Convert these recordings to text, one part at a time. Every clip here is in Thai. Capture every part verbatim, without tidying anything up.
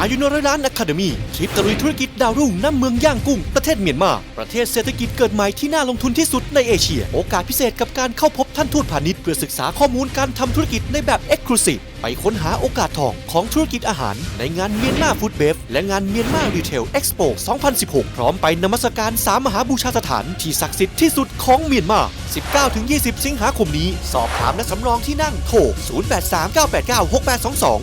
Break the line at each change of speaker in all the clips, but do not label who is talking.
อายุนร้อยล้านอะคาเดมี่ทริปตะลุยธุรกิจดาวรุ่งน้ำเมืองย่างกุ้งประเทศเมียนมาประเทศเศรษฐกิจเกิดใหม่ที่น่าลงทุนที่สุดในเอเชียโอกาสพิเศษกับการเข้าพบท่านทูตพาณิชย์เพื่อศึกษาข้อมูลการทำธุรกิจในแบบ Exclusive ไปค้นหาโอกาสทองของธุรกิจอาหารในงานเมียนมาฟู้ดเบฟและงานเมียนมารีเทลเอ็กซ์โป สองพันสิบหก พร้อมไปนมัสการสามมหาบูชาสถานที่ศักดิ์สิทธิ์ที่สุดของเมียนมา สิบเก้าถึงยี่สิบ สิงหาคมนี้สอบถามและสำรองที่นั่งโทร ศูนย์ แปด สาม เก้า แปด เก้า หก แปด สอง สอง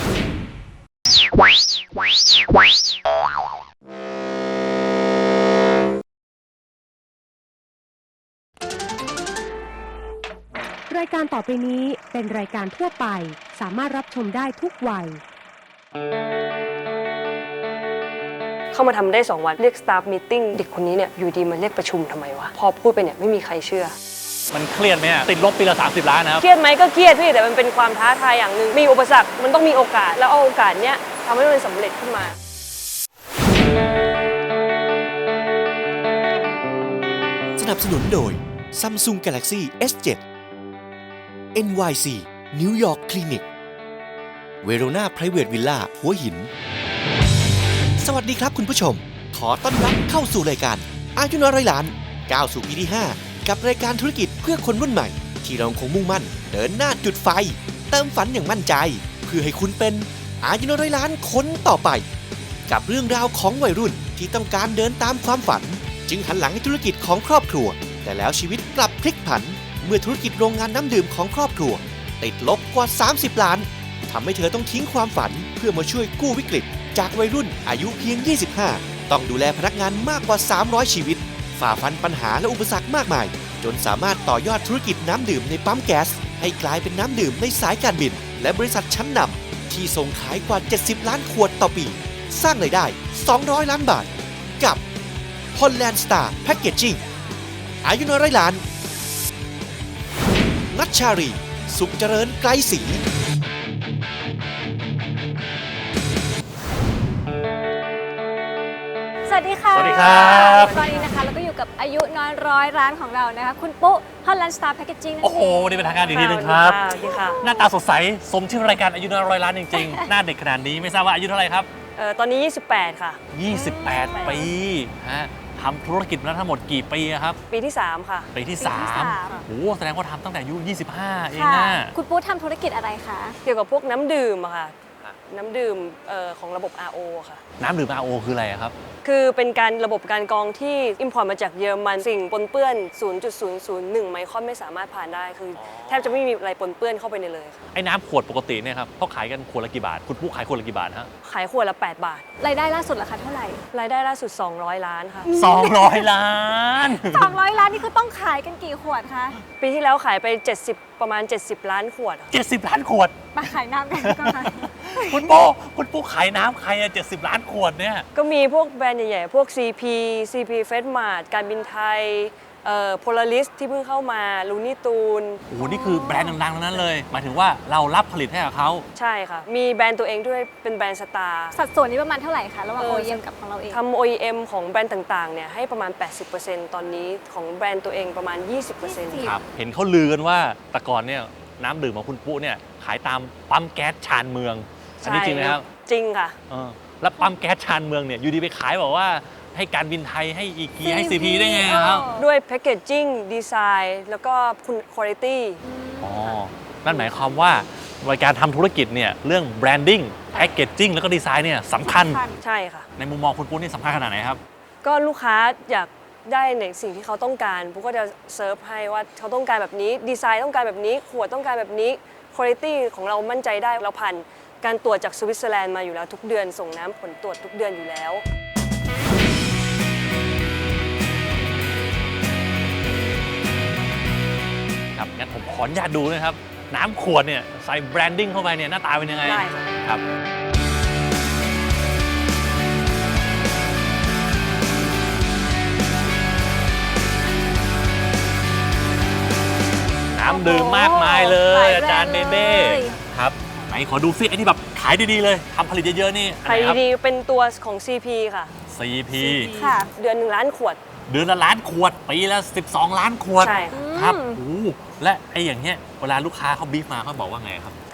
รายการต่อไปนี้เป็นรายการทั่วไปสามารถรับชมได้ทุกวัย
เข้ามาทำได้สองวันเรียก staff meeting เด็กคนนี้เนี่ยอยู่ดีมาเรียกประชุมทำไมวะพอพูดไปเนี่ยไม่มีใครเชื่อ
มันเครียดไหมติดลบปีละสามสิบล้านนะครับ
เครียดไหมก็เครียดพี่แต่มันเป็นความท้าทายอย่างหนึ่งมีอุปสรรคมันต้องมีโอกาสแล้วเอาโอกาสเนี้ยทำให้มันสำเร็จขึ้นมา
สนับสนุนโดย Samsung Galaxy เอส เซเว่น เอ็น วาย ซี New York Clinic Verona Private Villa หัวหินสวัสดีครับคุณผู้ชมขอต้อนรับเข้าสู่รายการอายุน้อยร้อยล้านก้าวสู่ปีที่ห้ากับรายการธุรกิจเพื่อคนรุ่นใหม่ที่เราคงมุ่งมั่นเดินหน้าจุดไฟเติมฝันอย่างมั่นใจเพื่อให้คุณเป็นอายุน้อยร้อยล้านคนต่อไปกับเรื่องราวของวัยรุ่นที่ต้องการเดินตามความฝันจึงหันหลังให้ธุรกิจของครอบครัวแต่แล้วชีวิตกลับพลิกผันเมื่อธุรกิจโรงงานน้ำดื่มของครอบครัวติดลบกว่าสามสิบล้านทำให้เธอต้องทิ้งความฝันเพื่อมาช่วยกู้วิกฤตจากวัยรุ่นอายุเพียงยี่สิบห้าต้องดูแลพนักงานมากกว่าสามร้อยชีวิตฝ่าฟันปัญหาและอุปสรรคมากมายจนสามารถต่อยอดธุรกิจน้ำดื่มในปั๊มแก๊สให้กลายเป็นน้ำดื่มในสายการบินและบริษัทชั้นนำที่ส่งขายกว่าเจ็ดสิบล้านขวดต่อปีสร้างรายได้สองร้อยล้านบาทกับ Holland Star Packaging อายุน้อยร้อยล้านนัชชารีสุขเจริญไกรศรี
สวัสดีค่ะ
สวัสดีครับ
ตอนนี้นะคะเราก็อยู่กับอายุน้อยร้อยร้านของเรานะคะคุณปุ๊ Holland Star Packaging นั่นเอง
โอ้โหวันนี้เป็นทางการอีกทีหนึงครับ
สวัสดีค่ะ
หน้าตาสดใสสมชื่อรายการอายุน้อยร้อยล้านจริงๆ หน้าเด็กขนาดนี้ไม่ทราบว่าอายุเท่าไหร่ครับ
เอ่อตอนนี้ยี่สิบแปดค่ะ
ยี่สิบแปดปีฮะทำธุรกิจมาทั้งหมดกี่ปีครับ
ปีที่สามค่ะ
ปีที่สามโอ้แสดงว่าทำตั้งแต่อายุยี่สิบห้าเอง
ค่ะ
นะ
คุณปุ๊ทำธุรกิจอะไรคะ
เกี่ยวกับพวกน้ำดื่มอะค่ะน้ำดื่มเอ่อของระบบ อาร์ โอ ค่ะ
น้ำดื่ม อาร์ โอ คืออะไรครับ
คือเป็นการระบบการกรองที่อิมพอร์ตมาจากเยอรมันสิ่งปนเปื้อน ศูนย์จุดศูนย์ศูนย์หนึ่ง ไมครอนไม่สามารถผ่านได้คือแทบจะไม่มีอะไรปนเปื้อนเข้าไปในเลย
ไอ้น้ำขวดปกติเนี่ยครับเขาขายกันขวดละกี่บาทคุณปุ๊ขายขวดละกี่บาทฮะ
ขายขวดละแปดบาท
รายได้ล่าสุดราคาเท่าไหร่
รายได้ล่าสุดสองร้อยล้านค่ะ
สองร้อยล้าน
สองร้อยล้านนี่คือต้องขายกันกี่ขวดคะ
ปีที่แล้วขายไปเจ็ดสิบประมาณเจ็ดสิบล้านขวด
เจ็ดสิบล้านขวด
มาขายน้ำกันก็มา
คุณปุ๊คุณปุ๊ขายน้ำใครอะเจ็ดสิบล้านขวดเนี่ย
ก็มีพวกแบรนด์ใหญ่ๆพวก ซี พี ซี พี เฟสมาร์ทการบินไทยเอ่อโพลาริสที่เพิ่งเข้ามาลูนี่ตูน
โอ้โหนี่คือแบรนด์ดังๆทั้งนั้นเลยหมายถึงว่าเรารับผลิตให้กับเขา
ใช่ค่ะมีแบรนด์ตัวเองด้วยเป็นแบรนด์สตาร์
สัดส่วนนี้ประมาณเท่าไหร่คะระหว่าง โอ อี เอ็ม กับของเราเอง
ทำ โอ อี เอ็ม ของแบรนด์ต่างๆเนี่ยให้ประมาณ แปดสิบเปอร์เซ็นต์ ตอนนี้ของแบรนด์ตัวเองประมาณ ยี่สิบเปอร์เซ็นต์
ครับเห็นเขาลือกันว่าแต่ก่อนเนี่ยน้ำดื่มของคุณปุ๊เนี่ยขายตามปั๊มแก๊สชานเมืองอันนี้จริงไหมครับ
จริงค่ะ
แล้วปั๊มแก๊สชานเมืองเนี่ยอยู่ดีไปขายบอกว่าให้การบินไทยให้อีกีให้ ซี พี ได้ไงครับ
ด้วยแพคเกจจิ้งดีไซน์แล้วก็คุณคุณภาพ
อ๋อนั่นหมายความว่าในการทำธุรกิจเนี่ยเรื่องแบรนดิ้งแพคเกจจิ้งแล้วก็ดีไซน์เนี่ยสำคัญ
ใช่ค่ะ
ในมุมมองคุณปุ๊นี่สำคัญขนาดไหนครับ
ก็ลูกค้าอยากได้ในสิ่งที่เขาต้องการปุ๊ก็จะเซิร์ฟให้ว่าเขาต้องการแบบนี้ดีไซน์ต้องการแบบนี้ขวดต้องการแบบนี้คุณภาพของเรามั่นใจได้เราผ่านการตรวจจากสวิตเซอร์แลนด์มาอยู่แล้วทุกเดือนส่งน้ำผลตรวจทุกเดือนอยู่แล้ว
ครับงั้นผมขออนุญาตดูนะครับน้ำขวดเนี่ยใส่แบรนดิ้งเข้าไปเนี่ยหน้าตาเป็นยังไง
ได้
ครับน้ำดื่มมากมายเลยอาจารย์เดเด้ครับไหนขอดูซิไอ้ที่แบบขายดีๆเลยทำผลิตเยอะๆนี่
ขายดีๆเป็นตัวของ ซี พี ค่ะ
ซี พี
ค่ะเดือนหนึ่งล้านขวด
เดือนละล้านขวดปีละสิบสองล้านขวด
ใช่
ครับโอ้และไอ้อย่างเงี้ยเวลาลูกค้าเขาบีฟมาเขาบอกว่าไงครับ
ท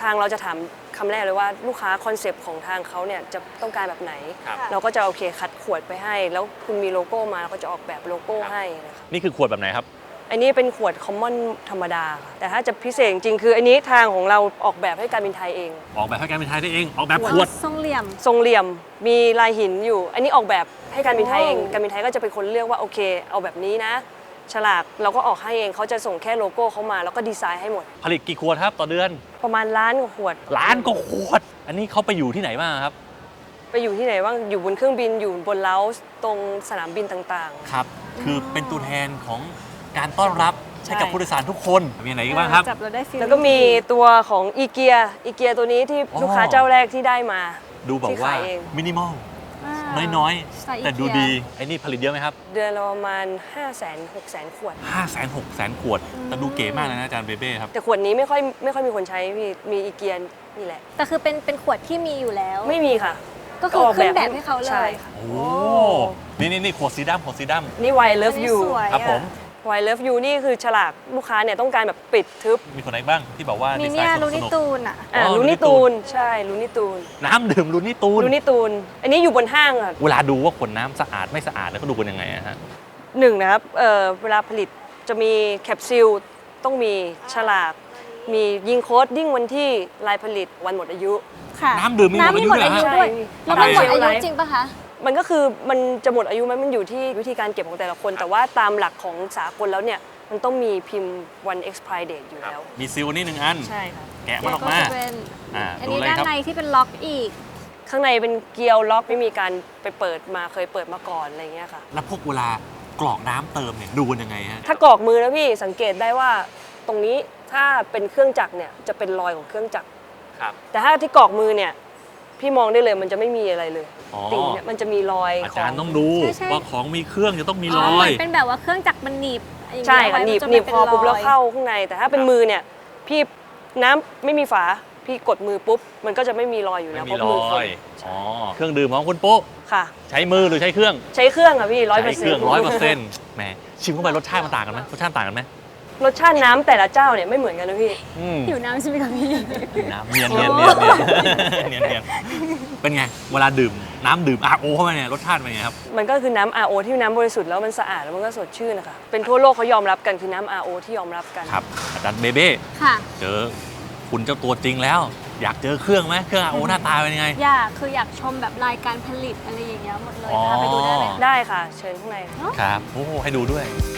ทางเราจะถามคำแรกเลยว่าลูกค้าคอนเซปต์ของทางเขาเนี่ยจะต้องการแบบไหน
ครับ
เราก็จะโอเคคัดขวดไปให้ แล้วคุณมีโลโก้มาเราก็จะออกแบบโลโก้
ครับ
ให้นะคะ
นี่คือขวดแบบไหนครับ
อันนี้เป็นขวดคอมมอนธรรมดาค่ะแต่ถ้าจะพิเศษจริงๆคืออันนี้ทางของเราออกแบบให้การบินไทยเอง
ออกแบบให้การบินไทยได้เอง ออกแบบขวด
ทรงเหลี่ยม
ทรงเหลี่ยมมีลายหินอยู่ อันนี้ออกแบบให้การบินไทยเอง
โอ้
การบินไทยก็จะเป็นคนเลือกว่าโอเค เอาแบบนี้นะ ฉลากเราก็ออกให้เองเขาจะส่งแค่โลโก้เขามาแล้วก็ดีไซน์ให้หมด
ผลิตกี่ขวดครับต่อเดือน
ประมาณล้านกว่าขวด
ล้านกว่าขวด อันนี้เขาไปอยู่ที่ไหนบ้างครับ
ไปอยู่ที่ไหนบ้างอยู่บนเครื่องบินอยู่บนเลาส์ตรงสนามบินต่าง
ครับ คือเป็นตัวแทนของการต้อนรับ
ใช่
ให้กับผู้โดยสารทุกคน มีอะไรอีกบ้างครับ
จับเราได้ฟีล
ๆ แล้วก็มีตัวของอีเกียอีเกียตัวนี้ที่
อ๋อ
ลูกค้าเจ้าแรกที่ได้มา
ดูแบบ
ที่
ว่า
ขายเอง
มินิมอล
า
น้อย
สไตล์
ๆ แต่ดู
อีเกีย
ดี ไอ้นี่ผลิตเยอะไหมครับ
เดือนละประมาณ ห้าแสนหกแสน ขวด
ห้าแสนหกแสนขวด แต่ดูเก๋มากเลยนะอาจารย์เบเบ้ครับ
แต่ขวดนี้ไม่ค่อยไม่ค่อยมีคนใช้พี่มีอีเกียนี่แหละ
แต่คือเป็นเป็นขวดที่มีอยู่แล้ว
ไม่มีค่ะ
ก็คือขึ้นแบบให้เขาเล
ใช่
ย
ค่ะ
โอ้ นี่นี่นี่ขวดสีดำขวดสีด
นี่ Why I Love
อันนี้
You
สวย
ำครับผม
Why I Love You นี่คือฉลากลูกค้าเนี่ยต้องการแบบปิดทึบ
มีคนไหนบ้างที่บอกว่า
มี
ดีไซ
เนี่ย
น์ส
ลู
นุ
นิ
ก
ตูนอ่ะ
อ่า
อ๋อ
ลู
Looney
นี่ตูนใช่ลูนี่ตูน
ๆน้ำดื่มลูนี่ตูน
ลูนี่ตูน อันนี้อยู่บนห้างค่ะ
เวลาดูว่าขวดน้ำสะอาดไม่สะอาดแล้วก็ดูกันยังไงอะฮะ
หนึ่งนะครับเอ่อเวลาผลิตจะมีแคปซูลต้องมีฉลาก มียิงโค้ดดิ้งวันที่ลายผลิตวันหมดอายุ
ค่ะ
น้ำดื่มมีหมด
น้ำมีหมดอายุ
อายุ
ด้วย
ด้วย
แล้วมันหมดอายุ
ใช่
จริงปะคะ
มันก็คือมันจะหมดอายุไหมมันอยู่ที่วิธีการเก็บของแต่ละคน แต่ว่าตามหลักของสากลแล้วเนี่ยมันต้องมีพิมพ์วัน expire date อยู่แล้ว
มีซิลนี่หนึ่งอัน
ใช่ค่ะ
แกะมันออกมา
ก็จะเป็น
อ่า
อัน
ดู
นี้
เลย
ด้าน
ครับ
ในที่เป็นล็อกอีก
ข้างในเป็นเกลียวล็อกไม่มีการไปเปิดมาเคยเปิดมาก่อนอะไรเงี้ยค่ะ
แล้วพวกเวลากรอกน้ำเติมเนี่ยดูกันยังไงฮะ
ถ้ากรอกมือนะพี่สังเกตได้ว่าตรงนี้ถ้าเป็นเครื่องจักรเนี่ยจะเป็นรอยของเครื่องจักร
ครับ
แต่ถ้าที่กรอกมือเนี่ยพี่มองได้เลยมันจะไม่มีอะไรเลย
อ๋อ
ติ่งเนี่ยมันจะมีรอย
อา
ข
จา
อ
รง ย์ต้องดู
ใช่ใช่
ว่าของมีเครื่องจะต้องมีร
อ๋อ
อ
เหมื
ย
อนเป็นแบบว่าเครื่องจักรมันหนีบอย่างเงี้ย
ใช่ค่ะ
ไว้
หนีบ
มัจะ
หนีบ
ไม่
คอปุ๊บ
ป็นรย
แล้วเข้าข้างใน แต่ถ้าเป็นมือเนี่ยพี่น้ำไม่มีฝาพี่กดมือปุ๊บมันก็จะไม่มีรอยอยู่
ไม่
แล้ว
มี
เพราะ
ร
มือค
อน ย อ๋อ เครื่องดื่มของคุณปุ๊
ค่ะ
ใช้มือหรือใช้เครื่อง
ใช้เครื่องค่ะพี่ร้อยเปอ
ใช้
ร์เซ็
เคน รื่
ต์
องร้อยเปอร์เซ็นต์แหมชิมเข้าไปรสชาติมันต่างกันไหมรสชาติต่างกันไหม
รสชาติน้ำแต่ละเจ้าเนี่ยไม่เหมือนกันนะพี่
อืม
หิวน้ำใช่ไหมคะพี่
น้ำเนียนเนียนเนียนเนียนเนียนเป็นไง เวลาดื่มน้ำดื่ม อาร์ โอ เข้าไปเนี่ยรสชาติเป็นไงครับ
มันก็คือน้ำ อาร์ โอ ที่น้ำบริสุทธิ์แล้วมันสะอาดแล้วมันก็สดชื่นนะคะเป็นทั่วโลกเขายอมรับกันคือน้ำ อาร์ โอ ที่ยอมรับกัน
ครับ อาจารย์เบเบ้
ค่ะ
เจอคุณเจ้าตัวจริงแล้ว อยากเจอเครื่องไหมเครื่อง อาร์ โอ หน้าตาเป็นยังไง
อยากคืออยากชมแบบรายการผลิตอะไรอย่างเงี้ยหมดเลย
อ๋อ
พาไปดูได้ไหมคะ
ได้ค่ะ เชิญข้างใน
ครับ โอ้โหให้ดูด้วย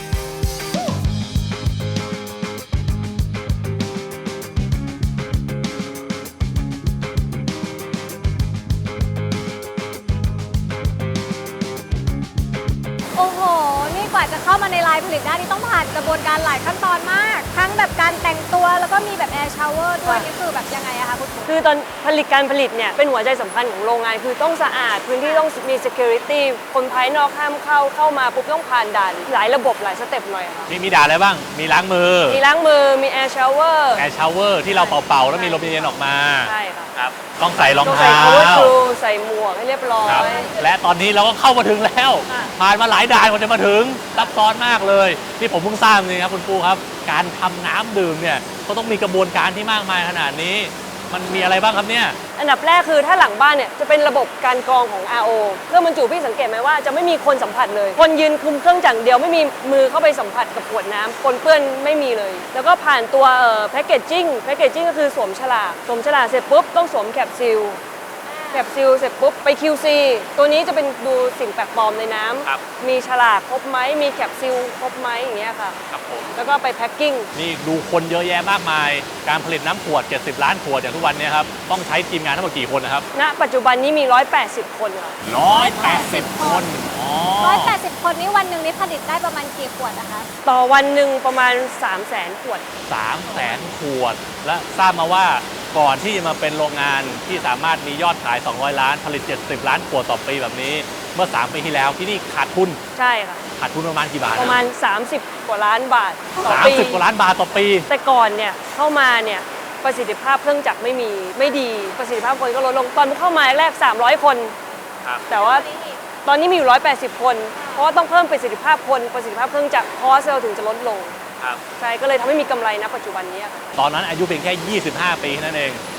โอ้โห นี่กว่าจะเข้ามาในลายผลิตได้นี่ต้องผ่านกระบวนการหลายขั้นตอนมาก ทั้งแบบการแต่งตัวแล้วก็มีแบบแอร์ชาวเวอร์ด้วย
ค่ะ
นี่คือแบบยังไงอะคะคุณครู
คือตอนผลิตการผลิตเนี่ยเป็นหัวใจสำคัญของโรงงาน คือต้องสะอาดพื้นที่ต้องมี security คนภายนอกห้ามเข้าเข้ามาปุ๊บต้องผ่านด่านหลายระบบหลายสเต็ปหน่อยค่ะ
มีมีด่าอะไรบ้าง มีล้างมือ
มีล้างมือมี air shower
แอร์ชาวเวอร์ที่เราเป่าๆ แล้วมีลมเย็นๆออกมา
ใช่ค่ะ
ครับ ต้องใส่รอง
ต้องใส่
เท้า
cover shoe ใส่หมวกให้เรียบร้อ
ครับ
ย
และตอนนี้เราก็เข้ามาถึงแล้ว
ค่ะ
ผ่านมาหลายด่านกว่าจะมาถึงซับซ้อนมากเลย ที่ผมเพิ่งทราบนี่ครับคุณปูครับ การทำน้ำดื่มเนี่ยก็ต้องมีกระบวนการที่มากมายขนาดนี้ มันมีอะไรบ้างครับเนี่ย
อันดับแรกคือถ้าหลังบ้านเนี่ยจะเป็นระบบการกรองของ อาร์ โอ เครื่องบรรจุพี่สังเกตไหมว่าจะไม่มีคนสัมผัสเลย คนยืนคุมเครื่องจักรเดียวไม่มีมือเข้าไปสัมผัสกับขวดน้ำปนเปื้อนไม่มีเลย แล้วก็ผ่านตัวแพคเกจจิ้งแพคเกจจิ้งก็คือสวมฉลากสวมฉลากเสร็จปุ๊บต้องสวมแคปซิลแคปซิลเสร็จปุ๊บไป คิว ซี ตัวนี้จะเป็นดูสิ่งแปลกปลอมในน้ำ
ครับ
มีฉลากครบไหมมีแคปซิลครบไหมอย่างเงี้ยค่ะ
ครับผม
แล้วก็ไปแพ็คกิ้ง
นี่ดูคนเยอะแยะมากมาย การผลิตน้ำขวด เจ็ดสิบ ล้านขวดอย่างทุกวันเนี้ครับ ต้องใช้ทีมงานทั้งหมดกี่คนนะครับ
ณ ปัจจุบันนี้มีหนึ่งร้อยแปดสิบคนค่ะ
หนึ่งร้อยแปดสิบ คน อ๋อ
ร้อยแปดสิบคนนี่วันหนึ่งนี่ผลิตได้ประมาณกี่ขวดนะคะ
ต่อวันหนึ่งประมาณ สามแสน ขวด
สามแสนขวด และทราบมาว่าก่อนที่จะมาเป็นโรงงานที่สามารถมียอดขาย สองร้อย ล้าน ผลิต เจ็ดสิบ ล้านขวดต่อปีแบบนี้ เมื่อ สาม ปีที่แล้วที่นี่ขาดทุน
ใช่ค่ะ
ขาดทุนประมาณกี่บาท
ประมาณ สามสิบ กว่าล้านบาทต่อ
สาม
ปี
สิบกว่าล้านบาทต่อปี
แต่ก่อนเนี่ยเข้ามาเนี่ยประสิทธิภาพเครื่องจักรไม่มีไม่ดีประสิทธิภาพคนก็ลดลงตอนเข้ามาแรกสามร้อยคน
ครับ
แต่ว่าตอนนี้มีอยู่หนึ่งร้อยแปดสิบคน เพราะว่าต้องเพิ่มประสิทธิภาพคนประสิทธิภาพเครื่องจักรคอสเราถึงจะลดลง
ครับ
ใช่ก็เลยทำให้มีกำไรณปัจจุบันนี้ค่ะ
ตอนนั้นอายุเพียงแค่ ยี่สิบห้า ปีนั่นเอง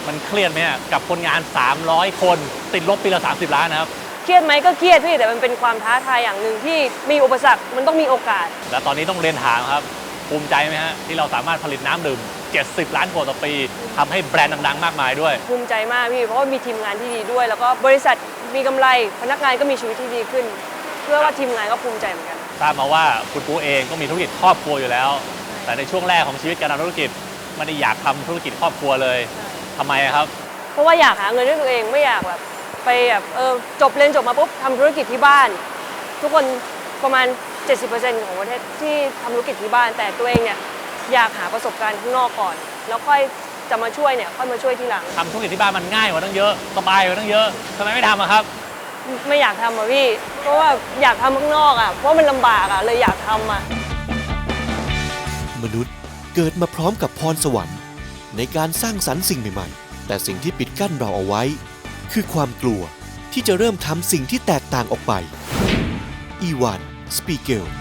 มันเครียดไหมฮะกับคนงาน สามร้อย คนติดลบปีละสามสิบล้านนะครับ
เครียดไหมก็เครียดพี่แต่มันเป็นความท้าทายอย่างหนึ่งที่มีอุปสรรคมันต้องมีโอกาส
และตอนนี้ต้องเรียนถามครับภูมิใจไหมฮะที่เราสามารถผลิตน้ำดื่มเจ็ดสิบล้านขวดต่อปีทำให้แบรนด์ดังๆมากมายด้วย
ภูมิใจมากพี่เพราะว่ามีทีมงานที่ดีด้วย แล้วก็บริษัทมีกำไรพนักงานก็มีชีวิตที่ดีขึ้น เพื่อว่าทีมงานก็ภูมิใจเหมือนกัน
ทราบมาว่าคุณปูเองก็มีธุรกิจครอบครัวอยู่แล้ว แต่ในช่วงแรกของชีวิตการทำธุรกิจไม่ได้อยากทำธุรกิจครอบครัวเลยทำไมครับ
เพราะว่าอยากหาเงินด้วยตัวเองไม่อยากแบบไปแบบเออจบเรียนจบมาปุ๊บทำธุรกิจที่บ้าน ทุกคนประมาณ เจ็ดสิบเปอร์เซ็นต์ ของประเทศที่ทำธุรกิจที่บ้าน แต่ตัวเองเนี่ยอยากหาประสบการณ์ข้างนอกก่อน แล้วค่อยจะมาช่วยเนี่ยค่อยมาช่วยทีหลัง
ทำธุรกิจที่บ้านมันง่ายกว่าตั้งเยอะสบายกว่าตั้งเยอะทำไมไม่ทำอะครับ
ไม่อยากทำอ่ะพี่เพราะว่าอยากทำข้างนอกอ่ะเพราะมันลำบากอ่ะเลยอยากทำอ่ะ
มนุษย์เกิดมาพร้อมกับพรสวรรค์ในการสร้างสรรค์สิ่งใหม่ๆ แต่สิ่งที่ปิดกั้นเราเอาไว้ คือความกลัวที่จะเริ่มทำสิ่งที่แตกต่างออกไป อีวาน สปีเกล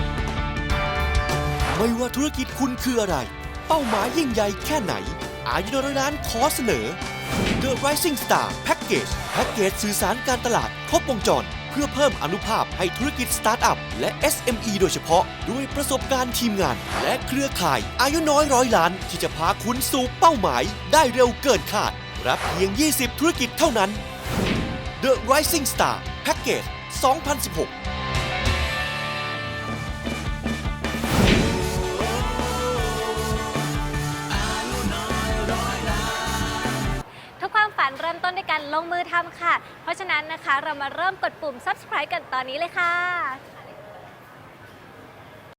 ไม่ว่าธุรกิจคุณคืออะไร เป้าหมายยิ่งใหญ่แค่ไหน อายุน้อยร้านขอเสนอ The Rising Star Package แพ็กเกจสื่อสารการตลาดครบวงจร เพื่อเพิ่มอานุภาพให้ธุรกิจสตาร์ทอัพและ เอส เอ็ม อี โดยเฉพาะ ด้วยประสบการณ์ทีมงาน และเครือข่ายอายุน้อยร้อยล้าน ที่จะพาคุณสู่เป้าหมายได้เร็วเกินคาด รับเพียง ยี่สิบ ธุรกิจเท่านั้น The Rising Star Package สองพันสิบหก
ทุกความฝันเริ่มต้นด้วยการลงมือทำค่ะ เพราะฉะนั้นนะคะเรามาเริ่มกดปุ่ม ซับสไครบ์ กันตอนนี้เลยค่ะ